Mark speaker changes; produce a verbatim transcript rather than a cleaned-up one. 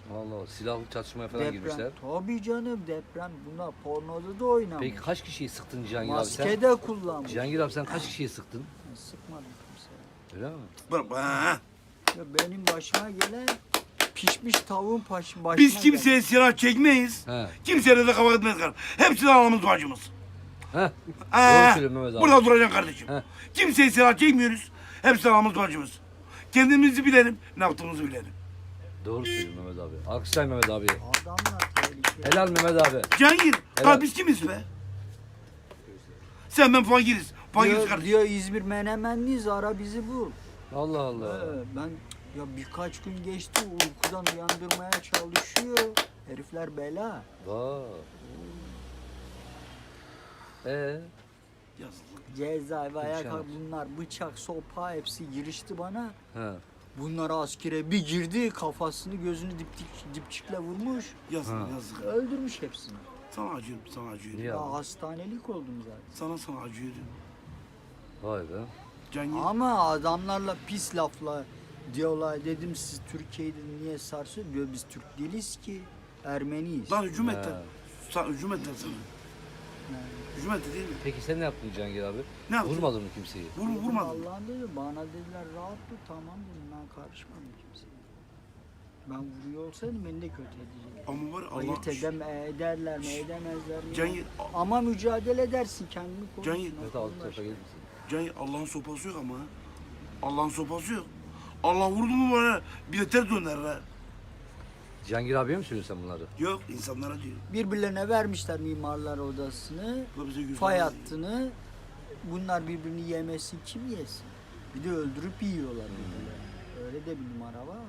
Speaker 1: Vallahi silahlı çatışmaya falan
Speaker 2: Deprem.
Speaker 1: girmişler.
Speaker 2: Tabii canım deprem. Bunlar pornoda da oynamış.
Speaker 1: Peki kaç kişiyi sıktın Cihangir abi sen?
Speaker 2: Maske de kullanmış.
Speaker 1: Cihangir abi sen kaç kişiyi sıktın?
Speaker 2: Ben sıkmadım kimseye.
Speaker 1: Öyle mi?
Speaker 3: Bak, ha.
Speaker 2: Ya benim başıma gelen pişmiş tavuğun baş, başına
Speaker 3: Biz kimseye
Speaker 2: gelen.
Speaker 3: silah çekmeyiz.
Speaker 1: He.
Speaker 3: Kimseye de kafa etmeyiz kardeşim. Hepsi de anamız bacımız.
Speaker 1: Heh.
Speaker 3: Ha.
Speaker 1: Doğru söylüyorsun Mehmet abi.
Speaker 3: Burada duracaksın kardeşim.
Speaker 1: He.
Speaker 3: Kimseye silah çekmiyoruz. Hepsi de anamız bacımız. Kendimizi bilelim, ne yaptığımızı bilelim.
Speaker 1: Doğru söylüyorsun Mehmet abi. Alkışlayın Mehmet abi.
Speaker 2: Adamlar tehlikeli.
Speaker 1: Helal Mehmet abi.
Speaker 3: Cihangir,
Speaker 1: Helal.
Speaker 3: lan biz kimiz be? Sen ben fakiriz. Fakiriz
Speaker 2: Diyor,
Speaker 3: kardeşim.
Speaker 2: diyor İzmir Menemenliyiz ara bizi bul.
Speaker 1: Allah Allah.
Speaker 2: Ee, ben ya birkaç gün geçti uykudan uyandırmaya çalışıyor. Herifler bela.
Speaker 1: Vay. Ee,
Speaker 3: Yazık.
Speaker 2: Cezaevi ayak
Speaker 1: Şahane.
Speaker 2: bunlar bıçak sopa hepsi girişti bana.
Speaker 1: he.
Speaker 2: Bunlar askere bir girdi kafasını gözünü diptik, dipçikle vurmuş.
Speaker 3: Yazık,
Speaker 1: Ha.
Speaker 3: yazık.
Speaker 2: Öldürmüş hepsini.
Speaker 3: Sana acıyorum, sana acıyorum.
Speaker 1: Niye
Speaker 2: Ya
Speaker 1: abi?
Speaker 2: hastanelik oldum zaten.
Speaker 3: Sana sana acıyorum.
Speaker 1: Vay be.
Speaker 3: Cihangir,
Speaker 2: Ama adamlarla pis lafla diyorlar dedim siz Türkiye'yi niye sarsıyor diyor biz Türk değiliz ki Ermeniyiz.
Speaker 3: lan hücum
Speaker 1: He.
Speaker 3: ettiler. Sa hücum ettiler sana. Hücum etti değil mi?
Speaker 1: Peki sen ne yaptın Cihangir abi?
Speaker 3: Ne yaptın?
Speaker 1: Vurmadın mı kimseyi?
Speaker 3: Vur, vurmadın.
Speaker 2: Allah'ın dedi bana dediler rahat dur tamam dedim ben karışmadım kimseye. Ben vuruyor olsaydım beni de kötü edecekler.
Speaker 3: Ama var ya, Allah...
Speaker 2: Ayırt edem ederler mi edemezler mi?
Speaker 3: Cihangir,
Speaker 2: Ama mücadele edersin kendini korursun.
Speaker 3: Cihangir.
Speaker 1: Evet abi tarafa gelir misin?
Speaker 3: Cihangir, Allah'ın sopası yok ama. ha. Allah'ın sopası yok. Allah vurdu mu bana bir de ters döner ha.
Speaker 1: Cihangir abiye mi söylüyorsun sen bunları?
Speaker 3: Yok, insanlara diyor.
Speaker 2: Birbirlerine vermişler mimarlar odasını,
Speaker 3: Bu da bize güzel.
Speaker 2: fay hattını. Bunlar birbirini yemesin kim yesin? Bir de öldürüp yiyorlar birbirlerini. Öyle de bir numara var.